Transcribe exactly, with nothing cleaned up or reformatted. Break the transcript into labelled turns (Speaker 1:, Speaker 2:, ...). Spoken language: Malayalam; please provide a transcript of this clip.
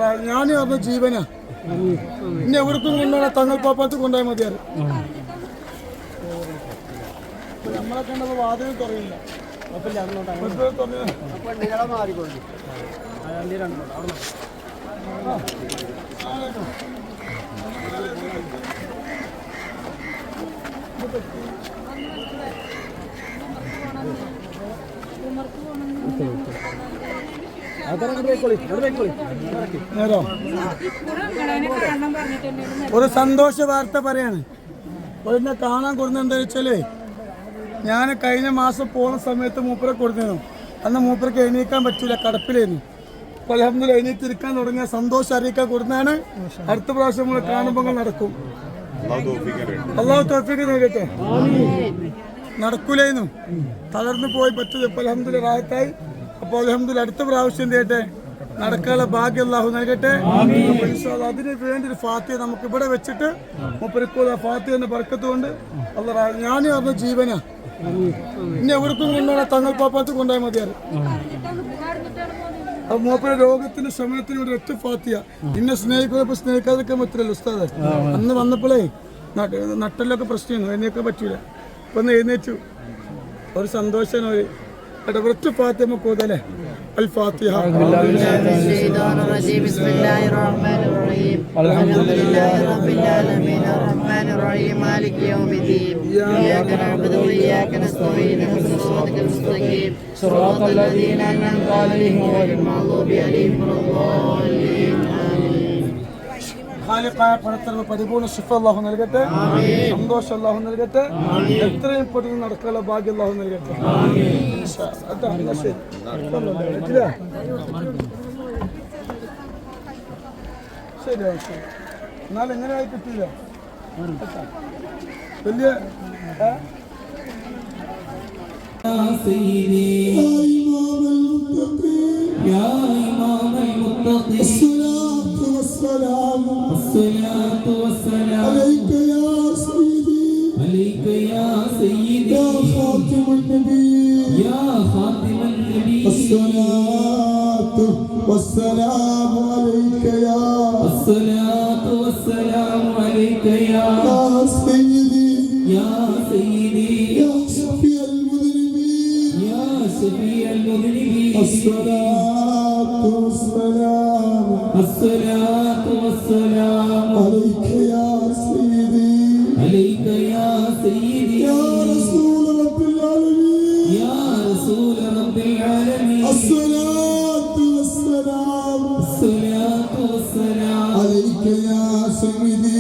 Speaker 1: ഞാൻ പറഞ്ഞ ജീവനാ. ഇനി എവിടത്തും കൊണ്ടുപോകണം, തങ്ങൾ പാപ്പത്ത് കൊണ്ടുപോയാൽ മതിയാറ്. നമ്മളെ കണ്ടപ്പോൾ വാതിൽ തുറയില്ല. ഒരു സന്തോഷ വാർത്ത പറയാണ്. എന്നെ കാണാൻ കൊടുക്കുന്ന എന്താ വെച്ചാല്, ഞാൻ കഴിഞ്ഞ മാസം പോകുന്ന സമയത്ത് മൂപ്പരെ കൊടുത്തിരുന്നു. അന്ന് മൂപ്പർക്ക് എണീക്കാൻ പറ്റൂല, കടപ്പിലായിരുന്നു. അപ്പോൾ അൽഹംദുലില്ലാഹ് എണീറ്റിരിക്കാൻ തുടങ്ങിയ സന്തോഷം അറിയിക്കാൻ കൊടുത്താണ്. അടുത്ത പ്രാവശ്യം നമ്മൾ കാണുമ്പോൾ നടക്കും. അള്ളാഹു തൗഫീഖ് നൽകട്ടെ. നടക്കൂലായിരുന്നു, തളർന്നു പോയി പറ്റത്. ഇപ്പോൾ അൽഹംദുലില്ലാഹ് റാഹത്തായി. അപ്പോൾ അൽഹംദുലില്ലാഹ് അടുത്ത പ്രാവശ്യം ചെയ്യട്ടെ, നടക്കാനുള്ള ഭാഗ്യം അല്ലാഹു നൽകട്ടെ. അതിന് വേണ്ടി ഒരു ഫാത്തിഹ നമുക്ക് ഇവിടെ വെച്ചിട്ട് മൂപ്പരിക്കോട് ആ ഫാത്തിഹന്റെ ബർക്കത്ത് കൊണ്ട് അല്ലാഹ്. ഞാൻ പറഞ്ഞ ജീവനാ. ഇനി എവിടത്തും കൊണ്ടുപോകണം, തങ്ങൾ പാപ്പത്ത് കൊണ്ടുപോയാൽ മതിയാറ്. അപ്പൊ മൂപ്പര രോഗത്തിന്റെ സമയത്തിന് ഇവിടെ ഒറ്റ ഫാത്തിഹ. ഇന്നെ സ്നേഹിക്കുന്നപ്പോ സ്നേഹിക്കാതൊക്കെ പറ്റില്ലല്ലോ ഉസ്താദ്. അന്ന് വന്നപ്പോഴേ നട്ടലൊക്കെ പ്രശ്നമായിരുന്നു, എഴുന്നേക്കാൻ പറ്റൂല. ഇപ്പൊ ഒന്ന് എഴുന്നേറ്റു, ഒരു സന്തോഷമാണ്. ഒരു ഒറ്റ ഫാത്തിഹ നമുക്ക് ഓതല്ലേ. الفاتحة.
Speaker 2: الشيطان الرجيم بسم الله الرحمن الرحيم الحمد لله رب العالمين الرحمن الرحيم مالك يوم الدين إياك نعبد وإياك نستعين اهدنا الصراط المستقيم صراط الذين أنعمت عليهم غير المغضوب عليهم ولا الضالين
Speaker 1: ഖാലിഖായ പടത്തറവ് പരിപൂർണ്ണ ശിഫ അല്ലാഹു നൽകട്ടെ. സന്തോഷം അല്ലാഹു നൽകട്ടെ. എത്രയും പെട്ടെന്ന് നടക്കാനുള്ള ഭാഗ്യം അല്ലാഹു നൽകട്ടെ. ശരി, എന്നാൽ എങ്ങനെയായി കിട്ടിയില്ല. വലിയ
Speaker 3: الصلاة والسلام عليك يا سيدي عليك يا سيدي يا خاتم النبي يا خاتم النبي الصلاة والسلام عليك يا الصلاة والسلام عليك يا سيدي يا سيدي يا شفيع المذنبين يا شفيع المذنبين الصلاة والسلام الصلاة والسلام عليك يا سيدي عليك يا سيدي يا رسول رب العالمين يا رسول رب العالمين الصلاة والسلام الصلاة والسلام عليك يا سيدي